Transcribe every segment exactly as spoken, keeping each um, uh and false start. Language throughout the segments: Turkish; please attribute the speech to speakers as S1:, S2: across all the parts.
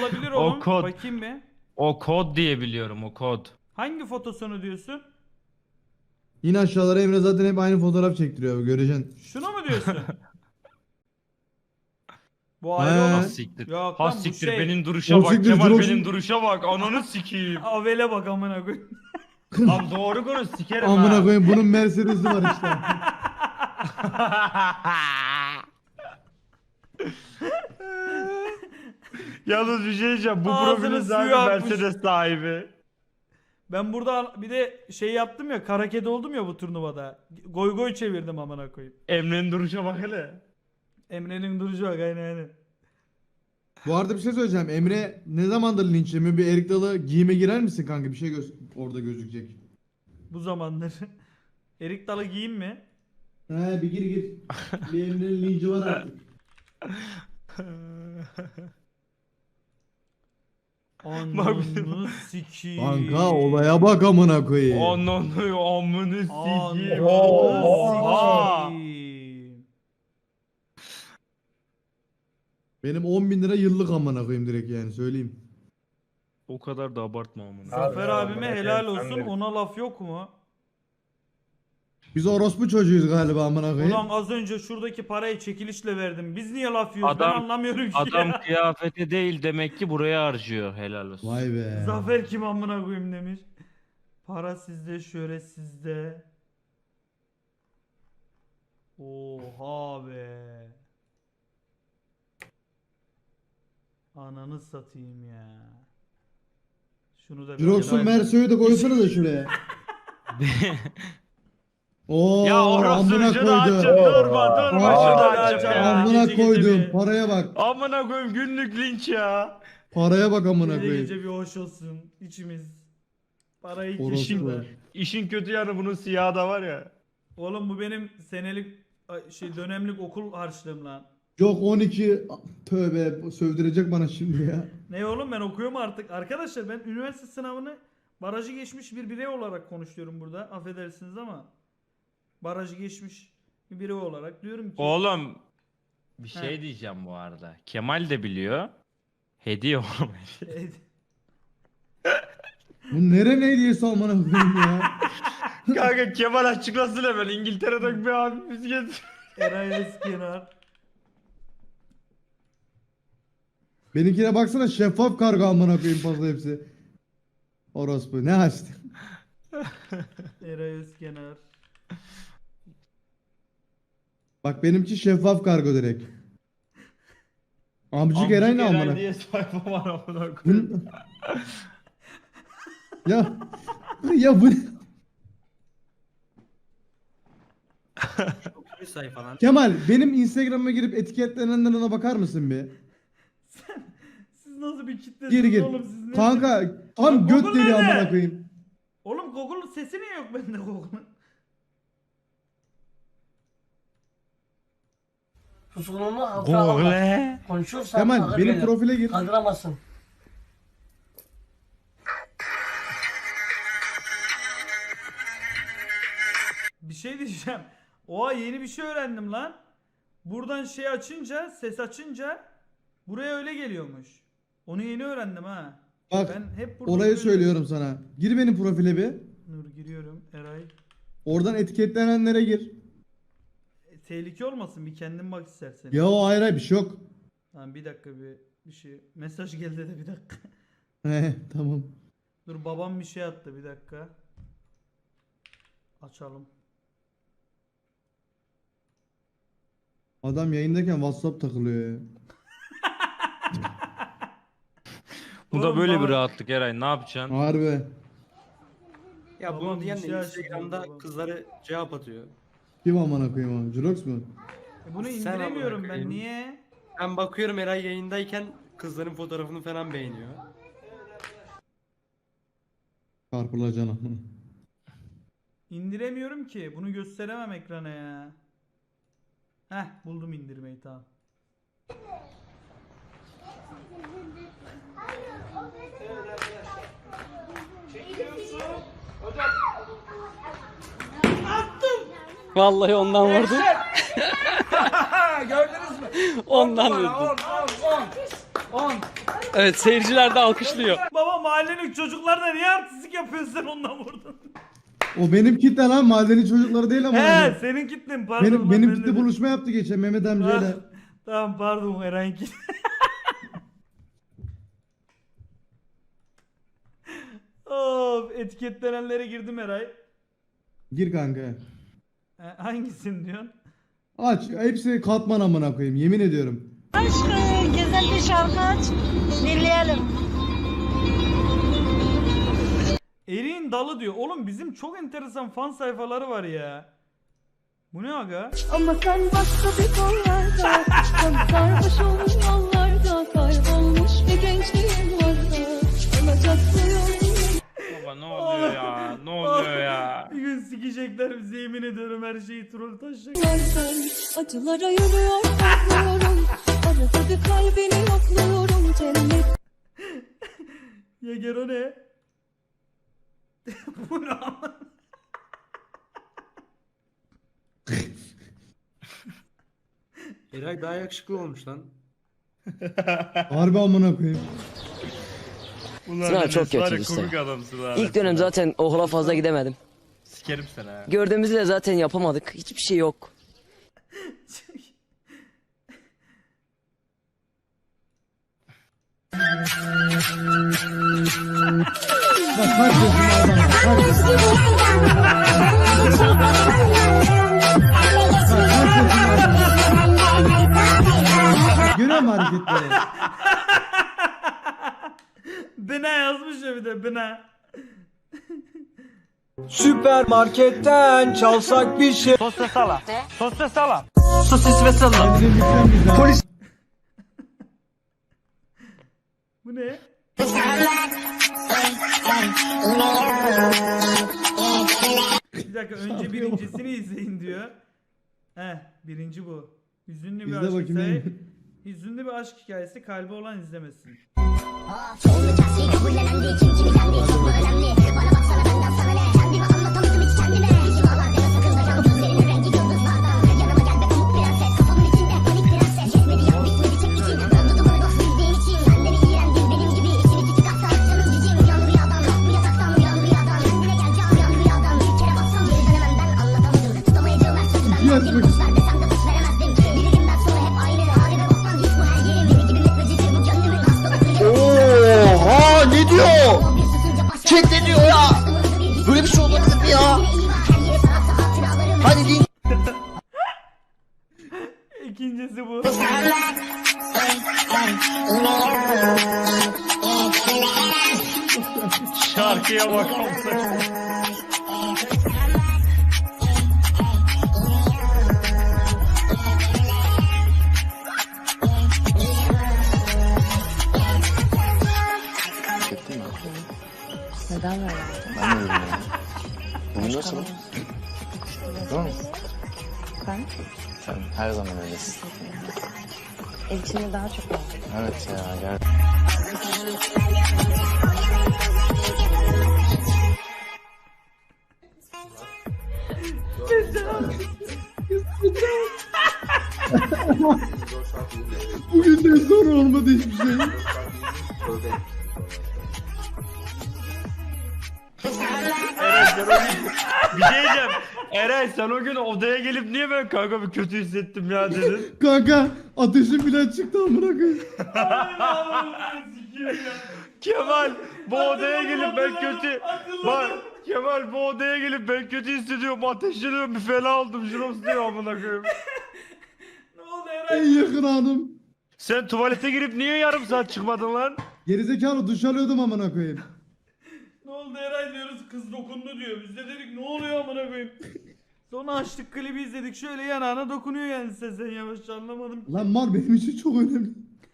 S1: olabilir
S2: O
S1: oğlum.
S2: kod.
S1: Bakayım bir.
S2: O kod diye biliyorum, o kod.
S1: Hangi fotosunu diyorsun?
S3: Yine aşağılara Emre zaten hep aynı fotoğraf çektiriyor abi, göreceksin.
S1: Şunu mu diyorsun? Bu
S3: He.
S1: ayrı
S2: Ha
S1: olan.
S2: siktir.
S1: Yok
S2: Ha
S1: lan bu
S2: siktir
S1: şey.
S2: benim duruşa
S3: O
S2: bak.
S3: siktir,
S2: Kemal
S3: Jirox'un-
S2: benim duruşa bak. Ananı sikeyim.
S1: Avele bak amına koyayım.
S2: Lan doğru konuş sikerim
S3: Amına
S2: ha.
S3: koyayım, bunun Mercedes'i var işte.
S2: Yalnız bir şey diyeceğim. Bu
S1: Ağzının
S2: profilin
S1: suyu
S2: sahibi
S1: akmış.
S2: Mercedes sahibi.
S1: Ben burada bir de şey yaptım ya, kara kedi oldum ya bu turnuvada. Goy goy çevirdim amına koyayım.
S2: Emre'nin duruşa bak hele.
S1: Emre'nin duruşu bak, aynen aynen.
S3: Bu arada bir şey söyleyeceğim. Emre ne zamandır linçlemiyor? Bir Erik Dalı giyime girer misin kanka? Bir şey göz orada gözükecek.
S1: Bu zamanlar. Erik Dalı giyeyim mi?
S3: He bir gir gir. Bir Emre'nin linci var artık.
S1: Ananı sikiyim.
S3: Kanka olaya bak amına koyayım.
S2: Ananı amını sikeyim.
S1: Ananı
S2: Oha.
S1: sikiyim.
S3: Benim on bin lira yıllık amına koyayım direkt, yani söyleyeyim.
S2: O kadar da abartma amına.
S1: Zafer
S4: Abi,
S1: abime
S4: amına
S1: helal
S4: koyayım, sen
S1: olsun,
S4: de-
S1: ona laf yok mu?
S3: Biz orospu çocuğuyuz galiba amına koyayım.
S1: Ulan az önce şuradaki parayı çekilişle verdim. Biz niye laf yiyoruz? Ben
S2: Adam-
S1: anlamıyorum ki
S2: Adam
S1: ya.
S2: kıyafeti değil demek ki buraya harcıyor, helal olsun.
S3: Vay be.
S1: Zafer kim amına koyayım demiş. Para sizde, şöhret sizde. Oha be. Ananı satayım ya. Şunu da bir
S3: Jirox'un
S1: kere-
S3: Merso'yu da koysana da şuraya. Oo,
S2: Ya orası
S3: amına
S2: şunu
S3: koydu.
S2: açın, durma durma
S3: Aa,
S2: şunu
S1: aa,
S2: açın
S1: aa,
S2: ya.
S3: Amına
S1: Gece gece
S3: koydum.
S1: bir-
S3: Paraya bak.
S2: Amına koyayım günlük linç ya.
S3: Paraya bak amına
S1: Gece
S3: koyayım.
S1: gece bir hoş olsun içimiz. Parayı
S3: Orospu.
S1: kişinde.
S2: İşin kötü yanı bunun siyahı da var ya.
S1: Oğlum bu benim senelik ay, şey dönemlik okul harçlığım lan.
S3: Yok on iki, tövbe sövdürecek bana şimdi ya.
S1: Ne oğlum, ben okuyorum artık. Arkadaşlar ben üniversite sınavını barajı geçmiş bir birey olarak konuşuyorum burada. Affedersiniz ama barajı geçmiş bir birey olarak diyorum ki
S2: Oğlum bir
S1: He.
S2: şey diyeceğim bu arada. Kemal de biliyor. Hediye oğlum.
S3: Bu nere ne hediyesi amına koyayım ya.
S2: Kanka Kemal açıklasın hemen. İngiltere'den bir abimiz getir.
S1: Eray Özkenar.
S3: Benimkine baksana, şeffaf kargo amına koyayım fazla hepsi. Orospu ne açtı?
S1: Eray Özkenar.
S3: Bak benimki şeffaf kargo direkt. Amcık Eray ne amına?
S2: diye sayfa var amına koyayım.
S3: Bunun- ya ya bu
S5: Bir sayfa lan.
S3: Kemal, benim Instagram'a girip etiketlenenlerine bakar mısın bir?
S1: Siz nasıl bir kitlesiniz
S3: Gir gir.
S1: oğlum, siz ne?
S3: Kanka tam
S1: Lan
S3: göt
S1: Google
S3: deliği
S1: nerede?
S3: amına koyayım.
S1: Oğlum Google'un sesi niye yok bende Google'un?
S6: Susulunu hatıra alamaz.
S2: Google.
S6: Konuşursan
S3: Kemal
S6: ağır
S3: benim
S6: gelir.
S3: profile gir.
S6: Kaldıramazsın.
S1: Bir şey diyeceğim. Oha, yeni bir şey öğrendim lan. Buradan şey açınca, ses açınca buraya öyle geliyormuş. Onu yeni öğrendim ha.
S3: Bak
S1: Ben hep burada
S3: olayı
S1: görüyorum.
S3: söylüyorum sana. Gir benim profile bir.
S1: Dur giriyorum Eray.
S3: Oradan etiketlenenlere gir.
S1: E, tehlike olmasın, bir kendin bak istersen.
S3: Ya o ayrı bir şey yok.
S1: Tamam bir dakika, bir bir şey. Mesaj geldi de bir dakika.
S3: He tamam.
S1: Dur babam bir şey attı, bir dakika. Açalım.
S3: Adam yayındayken WhatsApp takılıyor ya.
S2: Bu da
S1: Oğlum
S2: böyle
S1: baba-
S2: bir rahatlık Eray, ne yapacaksın?
S3: Harbi.
S5: Ya
S1: Babam
S5: bunu
S1: bir
S5: diyen
S1: şey
S5: de
S1: açtı
S5: Instagram'da
S1: babam.
S5: kızları cevap atıyor.
S3: Kim amına koyayım o? Jirox mu?
S1: E, bunu
S5: Sen
S1: indiremiyorum
S5: amına
S1: ben,
S5: koyayım.
S1: niye?
S5: Ben bakıyorum Eray yayındayken kızların fotoğrafını falan beğeniyor.
S3: Çarpılacağına.
S1: İndiremiyorum ki. Bunu gösteremem ekrana ya. Heh, buldum indirmeyi, tamam.
S7: Vallahi ondan vurdum.
S1: Gördünüz mü?
S7: Ondan
S1: On numara,
S7: vurdum.
S1: on, on, on. on.
S7: Evet seyirciler de alkışlıyor.
S1: Baba mahallenin çocuklarına niye artistlik yapıyorsun sen ondan vurdun?
S3: O benim kitle lan, mahalleli çocukları değil ama.
S1: He
S3: yani.
S1: senin kitlen pardon.
S3: Benim
S1: lan,
S3: benim
S1: ben
S3: kitle
S1: dedim.
S3: buluşma yaptı geçen Mehmet
S1: Ah,
S3: amcayla.
S1: Tamam pardon Eren kitle. Of etiketlenenlere girdim Eray.
S3: Gir kanka.
S1: Ha, hangisini diyorsun?
S3: Aç. Hepsi katman amına koyayım. Yemin ediyorum.
S4: Aşkım güzel bir şarkı aç. Dinleyelim.
S1: Eriğin dalı diyor. Oğlum bizim çok enteresan fan sayfaları var ya. Bu ne aga?
S4: Ama sen başka bir kollarda. Sen sarhoşum yollarda. Kaybolmuş bir gençliğim vardı. Olacak suyum.
S2: Baba ne oluyor ya? Ne oluyor ya?
S1: Bir gün sikecekler bizi yemin ediyorum her şeyi troll taşacak.
S4: Acılara yürüyor korkmuyorum. Arada bir kalbini yokluyorum. Cennet.
S1: Ya Gero ne? Bu ne ama?
S5: Eray daha yakışıklı olmuş lan.
S3: Harbi amına koyayım.
S2: Ulan
S8: Sınav
S2: Enes
S8: çok
S2: var
S8: kötü
S2: ya,
S8: işte.
S2: komik adamsın ha.
S8: İlk dönem zaten okula fazla gidemedim.
S2: Sikerim seni ha.
S8: Gördüğümüzü de zaten yapamadık. Hiçbir şey yok.
S3: Bak kaç yaşında adam. Kaç yaşında. Görüyor musun hareketleri?
S1: Bina yazmış ya bir de bina.
S5: Süpermarketten çalsak bir şey.
S2: Sosyal sala. Sosyal sala.
S5: Sosis ve salam.
S3: Kendine lütfen güzel. Polis.
S1: Bu ne? Bir dakika önce birincisini izleyin diyor. Heh birinci bu. Hüzünlü bir
S3: İzle
S1: aşk
S3: bakayım
S1: hikayesi.
S3: neymiş.
S1: Hüzünlü bir aşk hikayesi kalbi olan izlemesin.
S3: İki yaş bak.
S6: Oha ne diyor? Chat ne diyor ya? Böyle bir şey olabilir mi ya? Hadi din.
S1: İkincisi bu.
S2: Şarkıya bakar mısın?
S9: Neden böyle?
S6: Ben de bilmiyorum. Bugün nasıl? Değil mi?
S9: Ben
S6: Sen her zaman öylesin.
S9: ev içinde daha çok oldu.
S6: Evet ya gel.
S3: Bugünden sonra olmadı hiçbir şey.
S2: Eren sen o gün... Bir şey diyeceğim. Eren sen o gün odaya gelip niye ben kanka bir kötü hissettim ya dedin.
S3: Kanka ateşim bile çıktı amına koyayım.
S2: Kemal bu odaya gelip ben kötü... Bak Kemal bu odaya gelip ben kötü hissediyorum, ateşleniyorum, bir fena oldum, şurum diyor amına koyayım.
S1: Ne oldu Eray?
S3: En yakın anım.
S2: Sen tuvalete girip niye yarım saat çıkmadın lan?
S3: Gerizekalı duş alıyordum amına koyayım.
S1: Ne oldu Eray diyoruz kız dokundu diyor. Biz de dedik ne oluyor amına koyayım. Sonra açtık klibi izledik şöyle yanağına dokunuyor yani sen yavaşça anlamadım.
S3: Lan mal benim için çok önemli.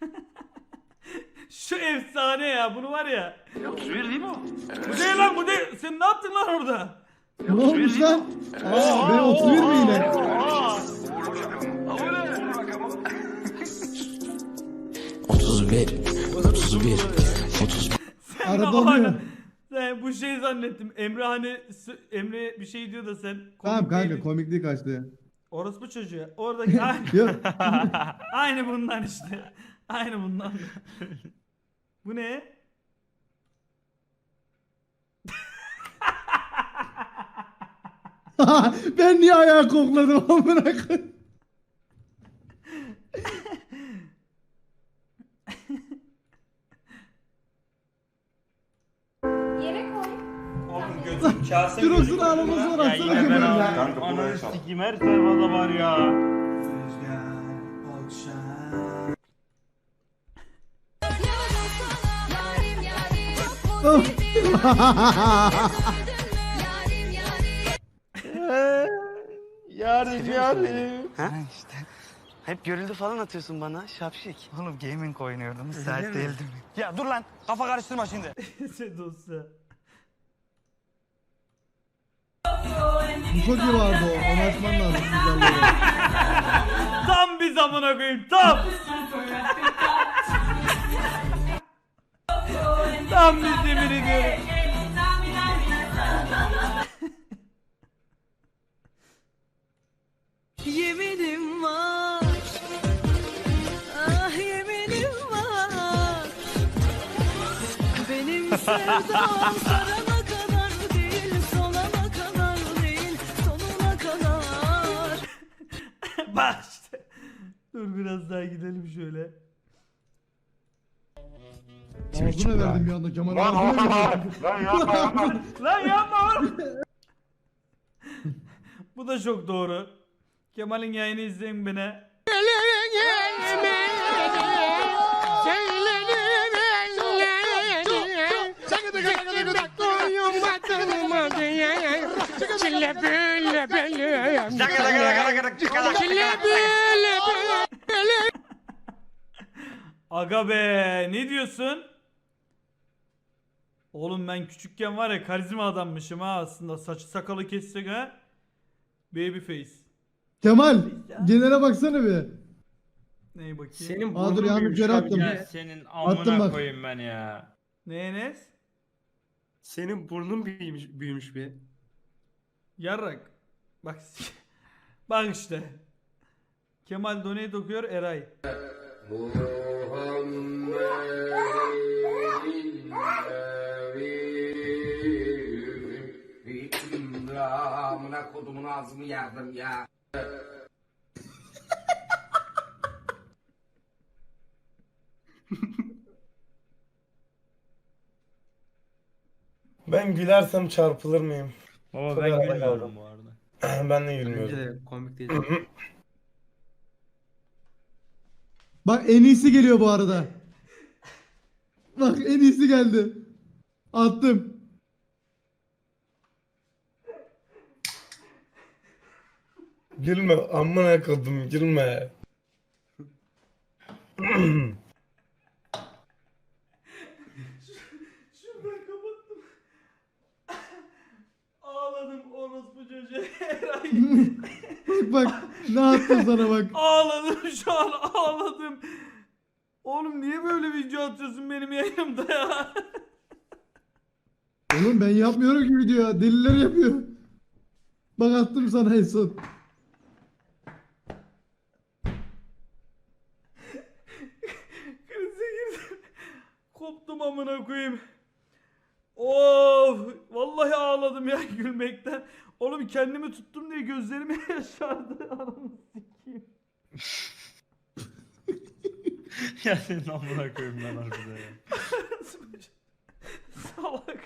S1: Şu efsane ya bunu var ya. otuz bir değil mi o? Bu değil lan bu değil. Sen ne yaptın lan orada?
S3: Ne olmuş lan? Aa ben otuz bir mi yine?
S6: otuz bir. otuz bir. otuz bir.
S1: Sen
S3: Arada
S1: de
S3: oluyor.
S1: hala- Sen bu şey zannettim. Emre hani s- Emre bir şey diyor da sen
S3: Tamam
S1: komik
S3: kanka
S1: değildin.
S3: komikliği kaçtı.
S1: Orospu çocuğu. Oradaki aynı,
S3: Yok.
S1: aynı bundan işte. Aynı bundan. Bu ne?
S3: Ben niye ayağı kokladım amına koyayım?
S2: Oğlum gözüm kase
S3: Jirox'un ağlaması var
S2: Ya
S3: atsana
S2: yine ben
S3: Kemal ya.
S2: ağlıyorum. Ananı sikeyim her sayfada var ya. Yarim yarim.
S5: işte. Hep görüldü falan atıyorsun bana şapşik. Oğlum gaming oynuyordum müsait değildim.
S2: Ya dur lan kafa karıştırma şimdi.
S1: Şey dosya.
S3: Bu çok iyi vardı o. Onu açman lazım. Güzelleri.
S1: Tam bir zamana koyayım tam. Tam bir yemin ediyorum.
S4: Yeminim var, ah yeminim var. Benim sevdam sarana kadar değil, solana kadar değil, sonuna kadar.
S1: Bak işte. Dur biraz daha gidelim şöyle.
S3: Ağzına verdim bir anda Kemal. Ağzına verdim.
S2: Lan yapma yapma.
S1: Lan yapma. Bu da çok doğru. Kemal'in yayını izleyin beni. Aga be ne diyorsun? Oğlum ben küçükken var ya karizma adammışım ha aslında saçı sakalı kessek ha. Babyface.
S3: Kemal genele baksana bir.
S1: Neye bakayım?
S5: Senin
S3: Aa, dur,
S5: burnun
S3: yanlış
S5: büyümüş
S3: yere
S5: abi
S3: attım.
S5: ya.
S2: Ya senin
S3: Attım
S2: amına
S3: bak.
S2: koyayım ben ya.
S1: Ne Enes?
S5: Senin burnun büyümüş, büyümüş bir.
S1: Yarrak. Bak bak işte. Kemal donate okuyor Eray.
S6: Amına kodumun ağzımı yardım ya.
S10: Ben gülersem çarpılır mıyım?
S2: Baba
S10: Çok
S2: ben
S10: arada
S2: gülmüyorum
S10: kaldım.
S2: bu arada.
S10: Ben de
S5: Bence
S10: gülmüyorum.
S5: de komik değil.
S3: Bak en iyisi geliyor bu arada. Bak en iyisi geldi. Attım.
S10: Gülme amına kodum gülme.
S1: Şuradan kapattım. Ağladım orospu çocuğu Eray.
S3: Bak bak ne attım sana bak.
S1: Ağladım şu an ağladım. Oğlum niye böyle video atıyorsun benim yayınımda ya?
S3: Oğlum ben yapmıyorum ki video ya. Deliler yapıyor. Bak attım sana en son.
S1: Krize girdim. Koptum amına koyayım. Of, vallahi ağladım ya gülmekten. Oğlum kendimi tuttum diye gözlerime yaşardı. Anamı sikeyim.
S2: Ya senin amına koyayım lan harbiden ya.
S1: Salak.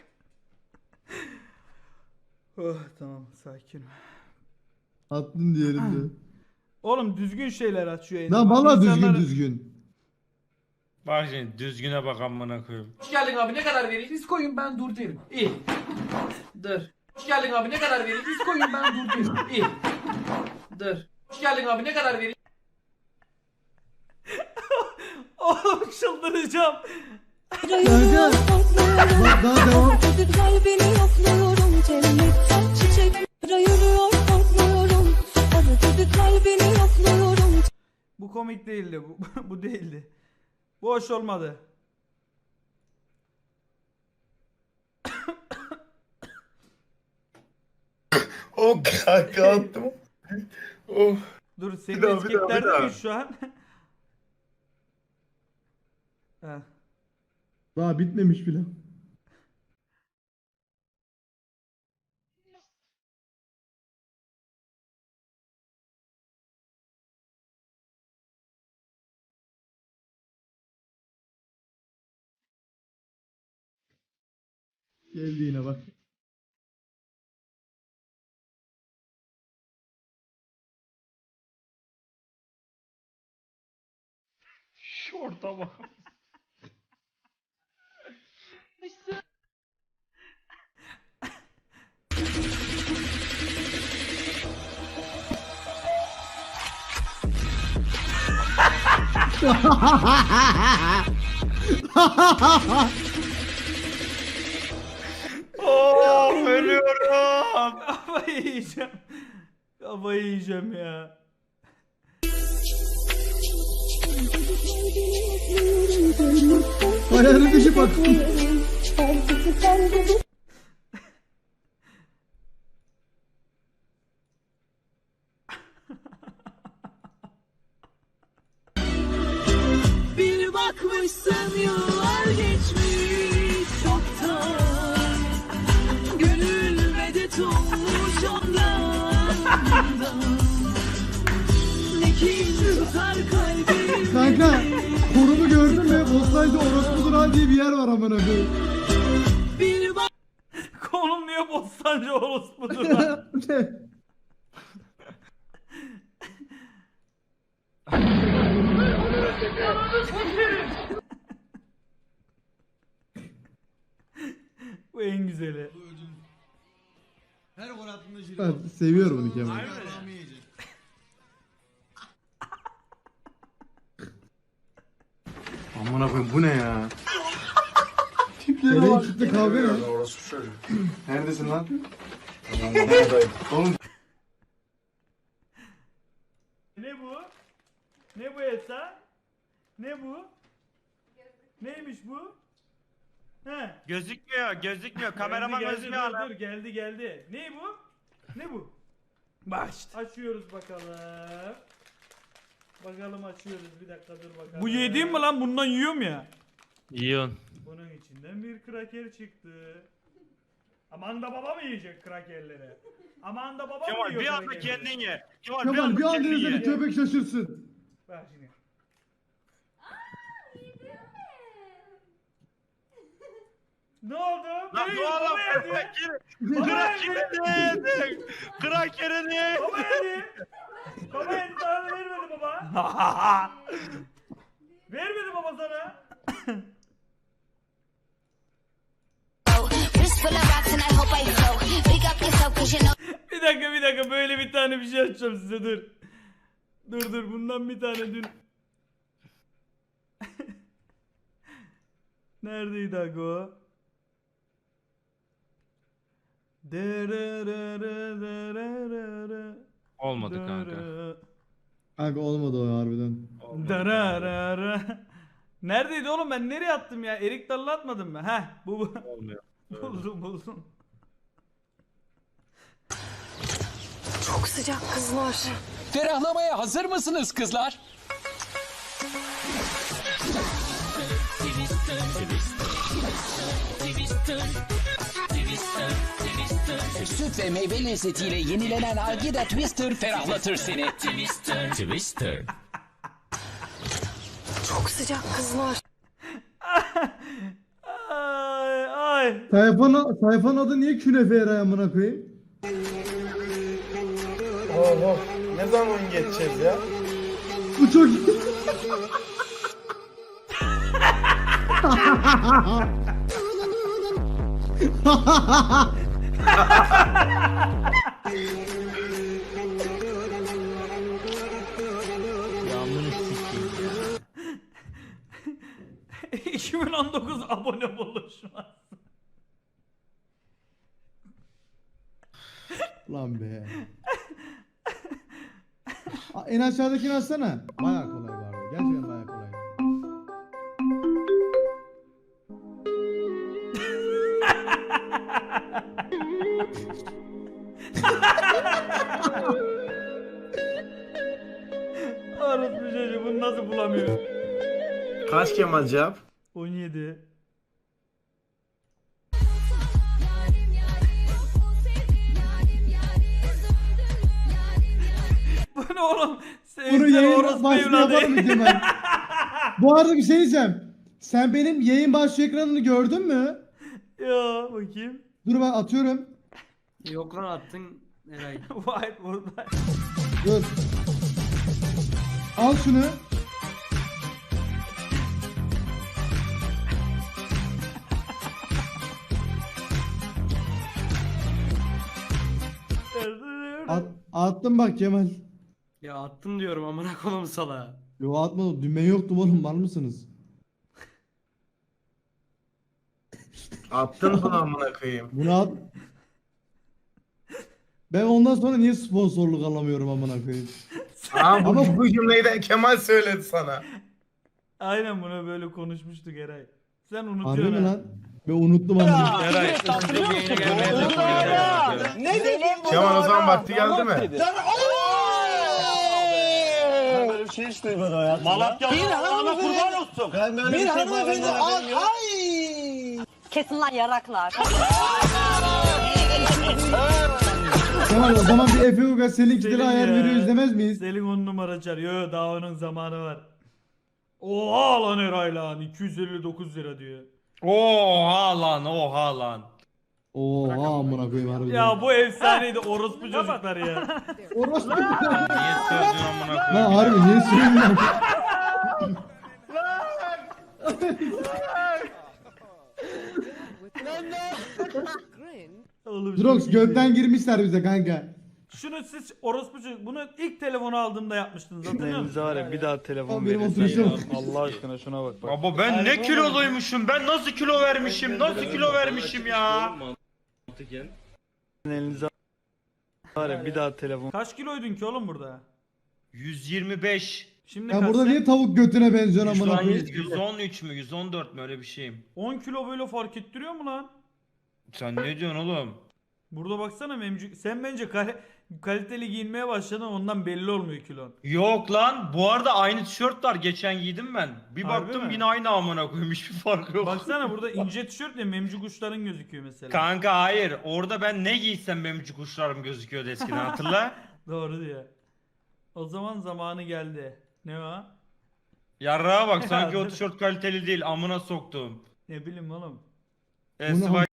S1: Oh tamam sakinim.
S3: Attın diğerini de.
S1: Oğlum düzgün şeyler aç şu yayını.
S3: Lan
S1: Bak
S3: valla düzgün
S1: insanlar-
S3: düzgün.
S2: Bak şimdi düzgüne bak amına koyayım.
S6: Hoş geldin abi ne kadar vereyim? Biz koyun ben dur derim. İyi.
S5: Dur.
S6: Hoş geldin abi ne kadar vereyim? Biz koyun ben dur derim. İyi.
S5: Dur.
S6: Hoş geldin abi ne kadar vereyim?
S1: Oğlum çıldıracağım.
S3: Kanka. Bak daha devam.
S4: Ödül kalbini yokluyorum, cennetten çiçek ayırıyor, korkmuyorum. Ödül kalbini yokluyorum.
S1: Bu komik değildi. Bu, bu değildi. Bu hoş olmadı.
S10: O kaka attım. Oh.
S1: Dur senin
S10: daha, bir daha, bir
S1: etiketlerde
S10: daha.
S1: miyiz şu an? Heh.
S3: Daha bitmemiş bile. Geldi yine bak.
S2: Şorta bak. Oh, ölüyorum.
S1: Kafayı yiyeceğim. Kafayı yiyeceğim ya.
S3: Ayarın dışı bak.
S4: Bir bakmışsın yıllar geçmiş çoktan. Gönül medet olmuş ondan. Ne kin tutar kalbim.
S3: Kanka konumu gördün mü? Bosnay'da Orospudur ha diye bir yer var amına koyayım.
S4: Bir bak
S1: Konum niye Bostancı orospudur lan? Bu en güzeli.
S3: Her gol attığında ben seviyorum onu Kemal.
S10: Amına koyayım bu ne ya?
S3: Nereye çıktı kavga ne?
S10: Neredesin lan?
S1: Ne bu? Ne bu Esa? Ne bu? Neymiş bu? He.
S2: Gözükmüyor, gözükmüyor. Kameraman
S1: geldi,
S2: gözükmüyor
S1: dur,
S2: lan.
S1: dur, geldi geldi. Ne bu? Ne bu? Bak işte. Açıyoruz bakalım. Bakalım açıyoruz. Bir dakika dur bakalım. Bu yediğim mi lan? Bundan yiyorum ya.
S7: Yiyorsun.
S1: Bunun içinden bir kraker çıktı. Aman da baba mı yiyecek krakerleri? Aman da baba mı
S2: Kemal
S1: yiyor
S2: bir anda
S1: krakerleri?
S2: kendin ye. Kemal,
S3: Kemal bir anda
S2: kendin
S3: izle
S2: ye.
S3: bir köpek şaşırsın.
S1: Bak şimdi. Ne oldu?
S2: Lan
S1: Ne
S2: bu
S1: yiyor?
S2: adam
S1: Baba yedi.
S2: krakeri. Krakeri niye yedin? Krakeri niye yedin?
S1: Baba yedi. Baba yedi sana vermedi baba. Vermedi baba sana. Bir dakika bir dakika böyle bir tane bir şey açacağım size dur. Dur dur bundan bir tane dün. Neredeydi aga o?
S7: Olmadı kanka.
S3: Kanka olmadı o harbiden.
S1: Dararara. Neredeydi oğlum ben nereye attım ya? Erik Dalı'na atmadım mı? Heh bu bu.
S2: Olmuyor.
S1: buldum buldum.
S4: çok sıcak kızlar.
S7: Ferahlamaya hazır mısınız kızlar? Süt ve meyve lezzetiyle yenilenen Algida Twister ferahlatır seni. Twister. Twister.
S4: Çok sıcak kızlar.
S1: Ay ay.
S3: Sayfanın, sayfanın adı niye künefe eray amına koyayım?
S10: Oh oh. Ne zaman geçeceğiz ya?
S3: Bu çok iyi.
S1: iki bin on dokuz abone buluşması.
S3: Lan be. Aa, en aşağıdakini açsana. Bayağı kolay vardı. Gerçekten bayağı kolay.
S1: Arası bir şey bunu nasıl bulamıyor?
S10: Kaç Kemal cevap?
S1: on yedi. Bu ne oğlum? Sen,
S3: Bunu
S1: sen
S3: yayın
S1: orospu
S3: başlığı
S1: evladı.
S3: yapalım mı Kemal? Bu arada bir şey diyeceğim. Sen benim yayın başlığı ekranını gördün mü?
S1: Ya bakayım.
S3: Dur ben atıyorum.
S11: Yok lan attın Eray.
S1: Whiteboard'da.
S3: Dur. Al şunu. At, attım bak Kemal.
S11: Ya attın diyorum amına koyayım sala.
S3: Yo atmadım. Düğme yoktu oğlum. Var mısınız?
S10: Attın mı amına koyayım?
S3: Bunu at. Ben ondan sonra niye sponsorluk alamıyorum amına koyayım?
S10: Aa bu,
S3: Ama-
S10: bu cümleyi de Kemal söyledi sana.
S1: Aynen bunu böyle konuşmuştuk Eray. Sen
S3: Harbi
S1: unutuyorsun
S3: mi
S1: ha.
S3: lan? Ben unuttum amına.
S2: Eray ısınca yayına gelmeye çalışıyorum.
S6: Ne dedim?
S10: Kemal o zaman vakti geldi mi?
S6: Ben böyle bir şey hiç duymadım hayatımda. Malatya'nın ana kurban olsun. Ben böyle bir, bir şey hanımefendi ay.
S9: Kesin lan yaraklar.
S3: Kemal o zaman bir Efe Uga Selin kitleri
S1: Selin
S3: ayar
S1: ya.
S3: veriyor izlemez miyiz?
S1: Selin on numara çağırıyor. Yo, daha onun zamanı var. Oha lan Eray lan. iki yüz elli dokuz lira diyor.
S2: Oha lan oha lan.
S3: Oha amına koyayım harbiden.
S1: Ya bu efsaneydi orospu çocuklar ya.
S3: Orospu.
S2: Niye sövdün amına
S3: Lan
S2: koyayım?
S3: harbi niye söylüyorsun?
S1: Oğlum,
S3: Drox
S1: çok iyi.
S3: gökten girmişler bize kanka.
S1: Şunu siz orospu çocuk bunu ilk telefonu aldığımda yapmıştınız hatırlıyor musun?
S2: var ya bir daha telefon
S3: Ama benim
S2: verirsen
S3: oturuşum.
S2: ya. Allah aşkına şuna bak bak. Baba ben ne kiloluymuşum ben nasıl kilo vermişim nasıl kilo vermişim ya. Elinize var ya bir daha telefon.
S1: Kaç kiloydun ki oğlum burada?
S2: yüz yirmi beş.
S1: Şimdi
S3: Ya
S1: kaç
S3: burada
S1: sen?
S3: niye tavuk götüne benziyorsun
S2: Şu
S3: amına
S2: an
S3: koyayım?
S2: yüz on üç mü yüz on dört mü öyle bir şeyim.
S1: on kilo böyle fark ettiriyor mu lan?
S2: Sen ne diyorsun oğlum?
S1: Burada baksana memcük. Sen bence kale- kaliteli giyinmeye başladın ondan belli olmuyor kilon.
S2: Yok lan bu arada aynı tişört var geçen giydim ben. Bir
S1: Harbi
S2: baktım
S1: mi?
S2: yine aynı amına koyayım hiçbir fark yok.
S1: Baksana burada ince tişört ya memcük uçların gözüküyor mesela.
S2: Kanka hayır orada ben ne giysem benim kuşlarım gözüküyordu eskiden hatırla.
S1: Doğru diyor. O zaman zamanı geldi. Ne o?
S2: Yarrağa bak sanki o
S1: Ya,
S2: tişört kaliteli değil amına soktum.
S1: Ne bileyim oğlum.
S2: E,
S3: Bu ne
S2: Spy-